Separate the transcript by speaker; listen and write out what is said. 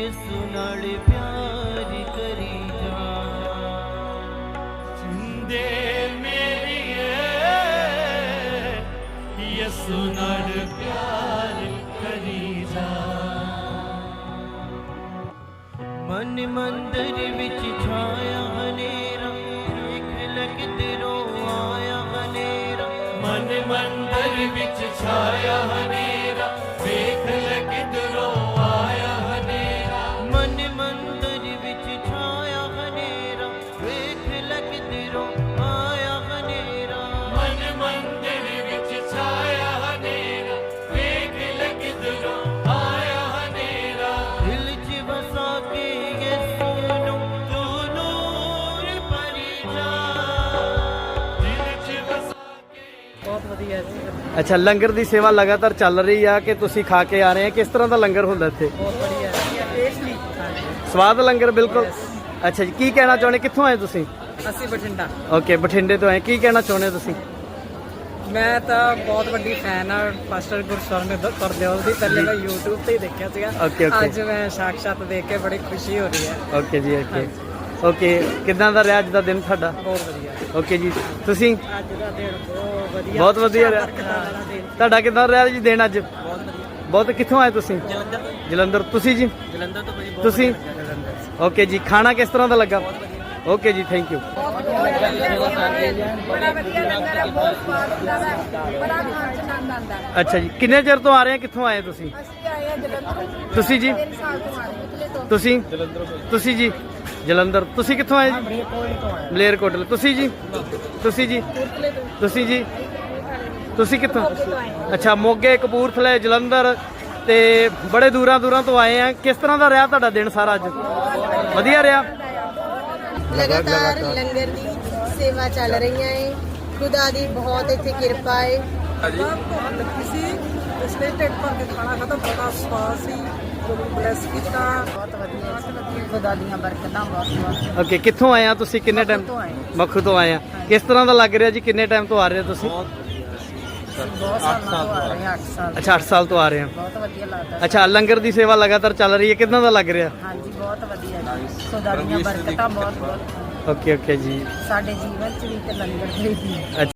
Speaker 1: यसु नाल प्यार करी जा। जिंदे मेरिए यसु नाल प्यार करी जा। मन मंदिर विच छाया हनेरा, देख लग दिलों आया हनेरा। मन मंदिर विच छाया हनेरा, देख लग दिलों आया हनेरा। मन मंदिर विच छाया हनेरा, देख लग दिलों आया हनेरा। मन मंदिर विच छाया हनेरा, देख लग दिलों आया हनेरा। दिल च बसा के यसु नूं तू नूर भरी जा। दिल च बसा के
Speaker 2: बहुत वधिया जी,
Speaker 3: ਅੱਛਾ, ਲੰਗਰ ਦੀ ਸੇਵਾ ਲਗਾਤਾਰ ਚੱਲ ਰਹੀ ਆ ਕਿ ਤੁਸੀਂ ਖਾ ਕੇ ਆ ਰਹੇ ਆ? ਕਿਸ ਤਰ੍ਹਾਂ ਦਾ ਲੰਗਰ ਹੁੰਦਾ ਇੱਥੇ?
Speaker 2: ਬਹੁਤ ਵਧੀਆ ਟੇਸਟੀ।
Speaker 3: ਸਵਾਦ ਲੰਗਰ ਬਿਲਕੁਲ। ਅੱਛਾ ਜੀ, ਕੀ ਕਹਿਣਾ ਚਾਹੁੰਦੇ? ਕਿੱਥੋਂ ਆਏ ਤੁਸੀਂ?
Speaker 2: ਅਸੀਂ ਬਠਿੰਡਾ।
Speaker 3: ਓਕੇ, ਬਠਿੰਡੇ ਤੋਂ ਆਏ। ਕੀ ਕਹਿਣਾ ਚਾਹੁੰਦੇ ਤੁਸੀਂ?
Speaker 2: ਮੈਂ ਤਾਂ ਬਹੁਤ ਵੱਡੀ ਫੈਨ ਆ ਪਾਸਟਰ ਗੁਰਸ਼ਰਨ ਕਰਦੇਵਲ ਦੀ। ਪਹਿਲੇ ਮੈਂ YouTube ਤੇ ਹੀ ਦੇਖਿਆ ਸੀਗਾ,
Speaker 3: ਓਕੇ, ਓਕੇ।
Speaker 2: ਅੱਜ ਮੈਂ ਸਾਖਸ਼ਾਤ ਦੇਖ ਕੇ ਬੜੀ ਖੁਸ਼ੀ ਹੋ ਰਹੀ ਹੈ।
Speaker 3: ਓਕੇ ਜੀ, ਓਕੇ ਓਕੇ। ਕਿੱਦਾਂ ਦਾ ਰਿਹਾ ਅੱਜ ਦਾ ਦਿਨ ਤੁਹਾਡਾ?
Speaker 2: ਬਹੁਤ ਵਧੀਆ।
Speaker 3: ਓਕੇ ਜੀ, ਤੁਸੀਂ?
Speaker 2: ਅੱਜ ਦਾ ਦਿਨ ਬਹੁਤ ਵਧੀਆ,
Speaker 3: ਬਹੁਤ ਵਧੀਆ ਰਿਹਾ।
Speaker 2: ਬਰਕਤਾਂ ਵਾਲਾ ਦਿਨ।
Speaker 3: ਤੁਹਾਡਾ ਕਿੱਦਾਂ ਰਿਹਾ ਜੀ ਦਿਨ ਅੱਜ?
Speaker 2: ਬਹੁਤ ਵਧੀਆ।
Speaker 3: ਬਹੁਤ। ਕਿੱਥੋਂ ਆਏ ਤੁਸੀਂ?
Speaker 2: ਜਲੰਧਰ।
Speaker 3: ਜਲੰਧਰ। ਤੁਸੀਂ ਜੀ?
Speaker 2: ਜਲੰਧਰ ਤੋਂ ਬੜੀ
Speaker 3: ਤੁਸੀਂ? ਓਕੇ ਜੀ, ਖਾਣਾ ਕਿਸ ਤਰ੍ਹਾਂ ਦਾ ਲੱਗਾ? ਓਕੇ ਜੀ, ਥੈਂਕ ਯੂ।
Speaker 4: ਬੜਾ ਵਧੀਆ ਲੰਗਰ ਹੈ, ਬਹੁਤ ਸਵਾਦ ਹੁੰਦਾ ਹੈ, ਬੜਾ ਖਾਣ ਚ ਆਨੰਦ ਆਉਂਦਾ ਹੈ।
Speaker 3: ਅੱਛਾ ਜੀ, ਕਿੰਨੇ ਚਿਰ ਤੋਂ ਆ ਰਹੇ ਆ? ਕਿੱਥੋਂ ਆਏ ਤੁਸੀਂ?
Speaker 4: ਅਸੀਂ ਆਏ ਹਾਂ ਜਲੰਧਰ।
Speaker 3: ਤੁਸੀਂ ਜੀ?
Speaker 4: 3 ਸਾਲ ਤੋਂ ਆਏ ਇਟਲੀ ਤੋਂ।
Speaker 3: ਤੁਸੀਂ? ਤੁਸੀਂ ਜੀ? ਜਲੰਧਰ। ਤੁਸੀਂ ਕਿੱਥੋਂ ਆਏ ਜੀ? ਮਲੇਰਕੋਟਲੇ। ਤੁਸੀਂ ਜੀ? ਤੁਸੀਂ ਜੀ? ਤੁਸੀਂ ਜੀ? ਤੁਸੀਂ ਕਿੱਥੋਂ? ਅੱਛਾ, ਮੋਗੇ, ਕਪੂਰਥਲੇ, ਜਲੰਧਰ ਤੇ ਬੜੇ ਦੂਰਾਂ ਦੂਰਾਂ ਤੋਂ ਆਏ ਆ। ਕਿਸ ਤਰ੍ਹਾਂ ਦਾ ਰਿਹਾ ਤੁਹਾਡਾ ਦਿਨ ਸਾਰਾ ਅੱਜ? ਵਧੀਆ ਰਿਹਾ।
Speaker 4: ਲਗਾਤਾਰ ਲੰਗਰ ਦੀ ਸੇਵਾ ਚੱਲ ਰਹੀਆਂ ਹੈ। ਖੁਦਾ ਦੀ ਬਹੁਤ ਇੱਥੇ ਕਿਰਪਾ ਹੈ।
Speaker 2: ਪਿਛਲੇ ਢਿੱਡ ਭਰ ਕੇ ਖਾਣਾ ਖਾਧਾ, ਬੜਾ ਸਵਾਦ ਸੀ। ਬਲੈਸ ਕੀਤਾ।
Speaker 4: ਬਹੁਤ ਵਧੀਆ ਖੁਦਾ ਦੀਆਂ ਬਰਕਤਾਂ ਬਹੁਤ ਬਹੁਤ।
Speaker 3: ਓਕੇ, ਕਿੱਥੋਂ ਆਏ ਆ ਤੁਸੀਂ? ਕਿੰਨੇ ਟਾਈਮ? ਮੱਖੂ ਤੋਂ ਆਏ ਆ। ਕਿਸ ਤਰ੍ਹਾਂ ਦਾ ਲੱਗ ਰਿਹਾ ਜੀ? ਕਿੰਨੇ ਟਾਈਮ ਤੋਂ ਆ ਰਹੇ ਹੋ ਤੁਸੀਂ?
Speaker 4: ਬਹੁਤ ਸਾਲ ਤੋਂ ਆ ਰਹੇ ਹਾਂ, 8 ਸਾਲ।
Speaker 3: ਅੱਛਾ, 8 ਸਾਲ ਤੋਂ ਆ ਰਹੇ ਆ।
Speaker 4: ਬਹੁਤ ਵਧੀਆ ਲੱਗਦਾ।
Speaker 3: ਅੱਛਾ, ਲੰਗਰ ਦੀ ਸੇਵਾ ਲਗਾਤਾਰ ਚੱਲ ਰਹੀ ਹੈ। ਕਿੱਦਾਂ ਦਾ ਲੱਗ ਰਿਹਾ?
Speaker 4: ਹਾਂਜੀ, ਬਹੁਤ ਵਧੀਆ ਜੀ। ਖੁਦਾ ਦੀਆਂ ਬਰਕਤਾਂ ਬਹੁਤ ਬਹੁਤ
Speaker 3: ਓਕੇ ਓਕੇ ਜੀ।
Speaker 4: ਸਾਡੇ ਜੀਵਨ ਚ ਵੀ ਤੇ ਲੰਗਰ ਦੇ ਵੀ।